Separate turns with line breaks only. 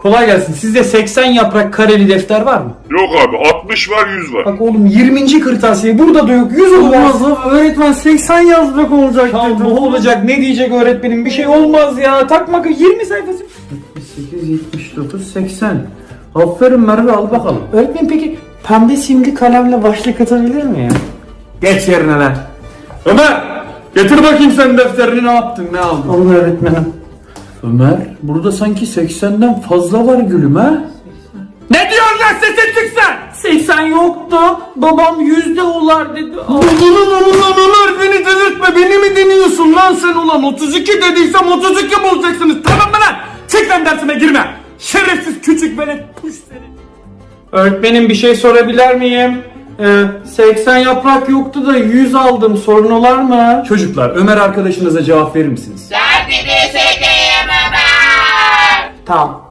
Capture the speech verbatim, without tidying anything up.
Kolay gelsin. Sizde seksen yaprak kareli defter var mı?
Yok abi, altmış var, yüz var.
Bak oğlum yirminci kırtasiye burada da yok. yüz olmaz.
Öğretmen seksen yazmak olacak.
Ya ne olacak? Ne diyecek öğretmenim? Bir şey olmaz ya. Takma yirmi sayfası.
sekiz, yetmiş dokuz, seksen. Aferin Merve, al bakalım.
Öğretmenim peki pembe simli kalemle başlık atabilir mi ya?
Geç yerine lan. Ömer! Getir bakayım sen defterini, ne yaptın, ne aldın?
Olur öğretmenim.
Ömer, burada sanki seksenden fazla var gülüm ha? Ne diyorsun lan, sesin çıksın!
seksen yoktu. Babam yüzde olar dedi.
Ulan ulan ulan Ömer, beni delirtme, beni mi deniyorsun lan sen ulan? otuz iki dediysem otuz iki bulacaksınız, tamam mı lan? Çık lan, dersime girme! Şerefsiz küçük velet, puş seni!
Öğretmenim bir şey sorabilir miyim? Ee, seksen yaprak yoktu da yüz aldım. Sorun olar mı?
Çocuklar, Ömer arkadaşınıza cevap verir misiniz?
Derdini çekeyim Ömer.
Tamam.